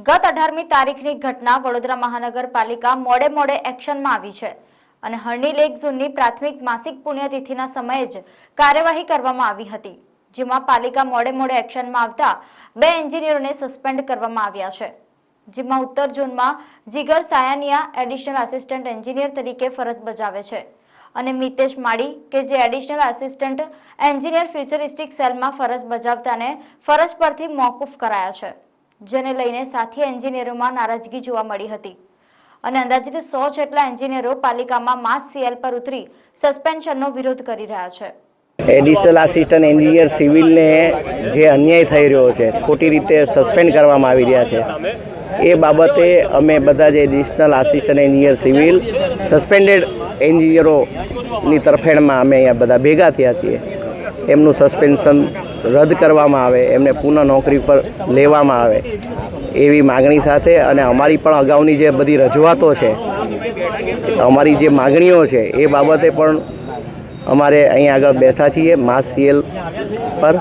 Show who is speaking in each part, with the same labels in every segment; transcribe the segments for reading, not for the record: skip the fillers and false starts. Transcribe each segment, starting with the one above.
Speaker 1: ગત 18મી તારીખની ઘટના વડોદરા મહાનગરપાલિકા મોડે એક્શનમાં આવી છે અને હરણી લેક ઝોનની પ્રાથમિક માસિક પુણ્યતિથિના સમયે જ કાર્યવાહી કરવામાં આવી હતી, જેમાં પાલિકા મોડે એક્શનમાં આવતા 2 એન્જિનિયરોને સસ્પેન્ડ કરવામાં આવ્યા છે, જેમાં ઉત્તર ઝોનમાં જીગર સાયાનિયા એડિશનલ આસિસ્ટન્ટ એન્જિનિયર તરીકે ફરજ બજાવે છે અને મિતેશ માડી કે જે એડિશનલ આસિસ્ટન્ટ એન્જિનિયર ફ્યુચરિસ્ટિક સેલમાં ફરજ બજાવતાને ફરજ પરથી મોકૂફ કરાયા છે, જેને લઈને સાથી એન્જિનિયરોમાં નારાજગી જોવા મળી હતી અને અંદાજિત 100 જેટલા એન્જિનિયરો પાલિકામાં માસ સીએલ પર ઉતરી સસ્પેન્શનનો વિરોધ કરી રહ્યા છે।
Speaker 2: એડિશનલ આસિસ્ટન્ટ એન્જિનિયર સિવિલને જે અન્યાય થઈ રહ્યો છે, ખોટી રીતે સસ્પેન્ડ કરવામાં આવી રહ્યા છે, એ બાબતે અમે બધા જ additional assistant engineer civil suspended એન્જિનિયરોની તરફેણમાં અમે અહીંયા બધા ભેગા થયા છીએ। એમનું સસ્પેન્શન રદ કરવામાં આવે, એમને પુનઃ નોકરી પર લેવામાં આવે એવી માગણી સાથે અને અમારી પણ અગાઉની જે બધી રજૂઆતો છે, અમારી જે માગણીઓ છે એ બાબતે પણ અમારે અહીં આગળ બેઠા છીએ માસ સીએલ પર।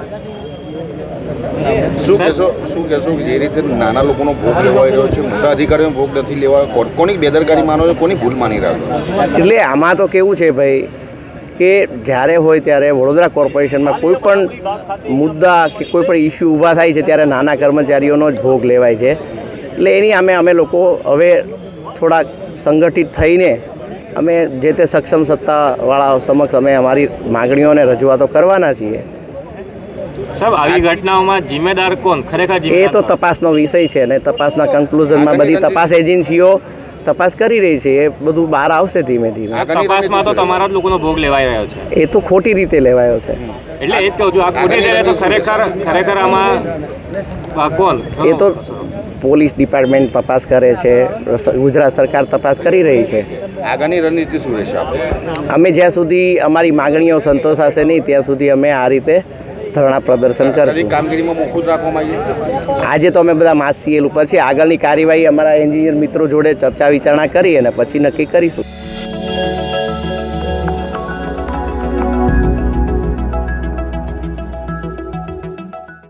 Speaker 3: શું કહેશો જે રીતે નાના લોકોનો ભોગ લેવાઈ રહ્યો છે, મોટા અધિકારીઓનો ભોગ નથી લેવાયો, કોની બેદરકારી માનો છો, કોની ભૂલ માની રહ્યા છો?
Speaker 2: એટલે આમાં તો કેવું છે ભાઈ કે જ્યારે હોય ત્યારે વડોદરા કોર્પોરેશનમાં કોઈ પણ મુદ્દા કે કોઈ પણ ઇસ્યુ ઊભા થાય છે ત્યારે નાના કર્મચારીઓનો જ ભોગ લેવાય છે। એટલે એની અમે લોકો હવે થોડાક સંગઠિત થઈને અમે જે તે સક્ષમ સત્તાવાળાઓ સમક્ષ અમે અમારી માગણીઓને રજૂઆતો કરવાના છીએ।
Speaker 4: સાહેબ, આવી ઘટનાઓમાં જિમ્મેદાર કોણ ખરેખર?
Speaker 2: એ તો તપાસનો વિષય છે અને તપાસના કન્ક્લુઝનમાં બધી તપાસ એજન્સીઓ તપાસ કરી રહી છે, એ બધું બહાર આવશે ધીમે ધીમે।
Speaker 4: તપાસમાં તો તમારા જ લોકોનો ભોગ લેવાઈ રહ્યો છે।
Speaker 2: એ તો ખોટી રીતે લેવાયો છે,
Speaker 4: એટલે એ જ કહું છું, આ ખોટી રીતે તો ખરેખર આમાં કોણ?
Speaker 2: એ તો પોલીસ ડિપાર્ટમેન્ટ તપાસ કરે છે, ગુજરાત સરકાર તપાસ કરી રહી છે।
Speaker 3: આગળની રણનીતિ શું રહેશે?
Speaker 2: અમે જ્યાં સુધી અમારી માગણીઓ સંતોષાશે નહીં ત્યાં સુધી અમે આ રીતે ધરણા પ્રદર્શન કરશું।
Speaker 3: કામગીરીમાં મોકૂફ રાખવામાં આવી?
Speaker 2: આજે તો અમે બધા માસ સીએલ ઉપર છીએ, આગળની કાર્યવાહી અમારા એન્જિનિયર મિત્રો જોડે ચર્ચા વિચારણા કરી અને પછી નક્કી કરીશું।